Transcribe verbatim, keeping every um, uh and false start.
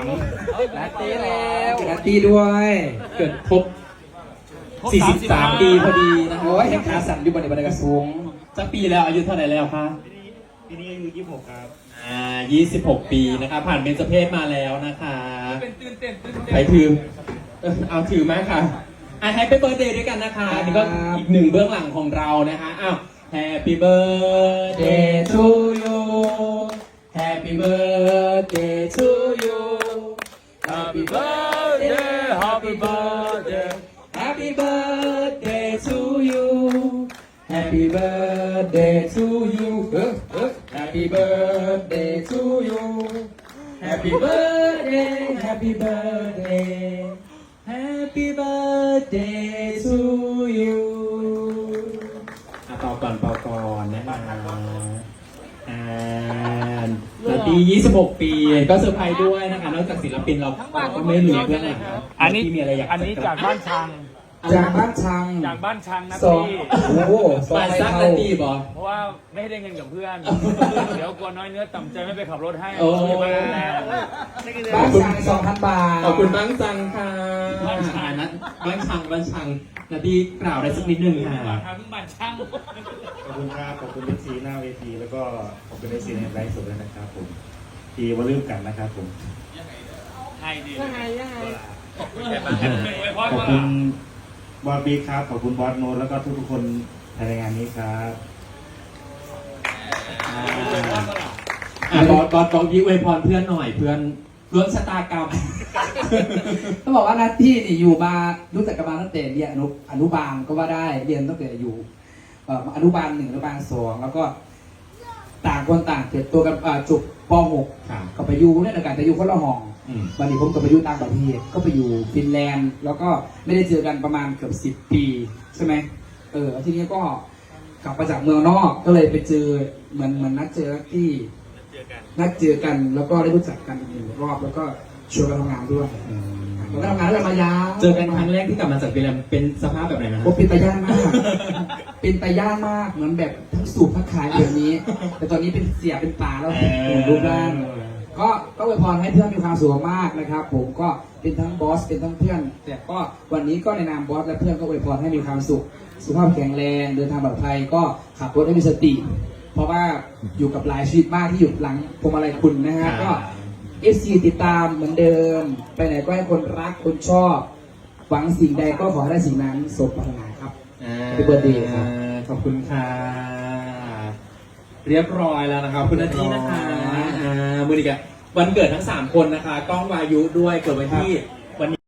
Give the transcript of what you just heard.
นัตตี้แล้วนัตตี้ด้วยเกิดครบสี่สิบสามปีพอดีนะโอ้ยแห่งขาสั่นอยู่บนในบันไดกระสูงสักปีแล้วอายุเท่าไหร่แล้วคะปีนี้อายุยี่สิบหกครับอ่ายี่สิบหกปีนะคะผ่านเบญจเพศมาแล้วนะคะเป็นตื่นเต้นตื่นเต้นใครถือเอาถือไหมค่ะอ่ะแฮปปี้เบิร์ดเดย์ด้วยกันนะคะนี่ก็อีกหนึ่งเบื้องหลังของเรานะคะอ้าว Happy birthday to you Happy birthday to you Happy birthday Happy birthday Happy birthday to you Happy birthday to you Happy birthday to you Happy birthday Happy birthday Happy birthday to you เป่าก่อนเป่าก่อนนะคะอ่านาทียี่สิบหกปีก็เซอร์ไพรส์ด้วยนะคะนอกจากศิลปินเราก็ไม่ลืมเพื่อนหลังอันนี้มีอะไรอยากอันนี้จากบ้านชังจากบ้านชังจากบ้านชังนะสองพี่โอ้โหสองซักนาทีบอเพราะว่าไม่ได้เงินกับเพื่อนเดี๋ยวกลัวน้อยเนื้อต่ำใจไม่ไปขับรถให้โอ้บ้านชังสองพันบาทขอบคุณบ้านชังค่ะบ้านชังนะบ้านชังบ้านชังนาทีกล่าวได้สักนิดนึงค่ะทางบ้านชังขอบคุณครับขอบคุณเอฟซีหน้าเวทีแล้วก็ขอบคุณเอฟซีในไลฟ์สดด้วยนะครับผมทีว่าลืมกันนะครับผมให้ดีให้ให้ขอบคุณขอบคุณบอสบีครับขอบคุณบอสโนแล้วก็ทุกๆคนในงานนี้ครับบอสบอสบอสพี่อวยพรเพื่อนหน่อยเพื่อนเพื่อนชะตากรรมต้องบอกว่านัทที่นี่อยู่มารู้จักกันมาตั้งแต่เรียนอนุอนุบาลก็ว่าได้เรียนตั้งแต่อยู่อนุบาลหนึ่งอนุบาลสองแล้วก็ต่างคนต่างเติบโตกันจบป หก ก็ไปอยู่เนี่ยอากาศจะอยู่คนละห้องวันนี้ผมก็ไปอยู่ต่างประเทศก็ไปอยู่ฟินแลนด์แล้วก็ไม่ได้เจอกันประมาณเกือบสิบปีใช่ไหมเออทีนี้ก็กลับมาจากเมืองนอกก็เลยไปเจอเหมือนเหมือนนัดเจอที่นัดเจอกันแล้วก็ได้รู้จักกันอีกรอบแล้วก็ชวนกันทำงานด้วยเราทำงานด้วยมายาวเจอกันครั้งแรกที่กลับมาจากฟินแลนด์เป็นสภาพแบบไหนนะโอ้เป็นตาย่านมากเป็นตาย่านมากเหมือนแบบทั้งสูบทั้งขายแบบนี้แต่ตอนนี้เป็นเสียเป็นป่าแล้วรูปร่างก็ก็อวยพรให้เพื่อนมีความสุขมากนะครับผมก็เป็นทั้งบอสเป็นทั้งเพื่อนแต่ก็วันนี้ก็ในนามบอสและเพื่อนก็อวยพรให้มีความสุขสุขภาพแข็งแรงเดินทางปลอดภัยก็ขับรถให้มีสติเพราะว่าอยู่กับหลายชีวิตมากที่อยู่หลังพวงมาลัยคุณนะฮะก็เอฟซีติดตามเหมือนเดิมไปไหนก็ให้คนรักคนชอบหวังสิ่งใดก็ขอให้ได้สิ่งนั้นสมปรารถนาครับเป็นเบอร์เดย์ครับขอบคุณค่ะเรียบร้อยแล้วนะครับคุณนาทีนะคะมือดีกันวันเกิดทั้งสามคนนะคะก้องวายุด้วยเกิดวันที่วัน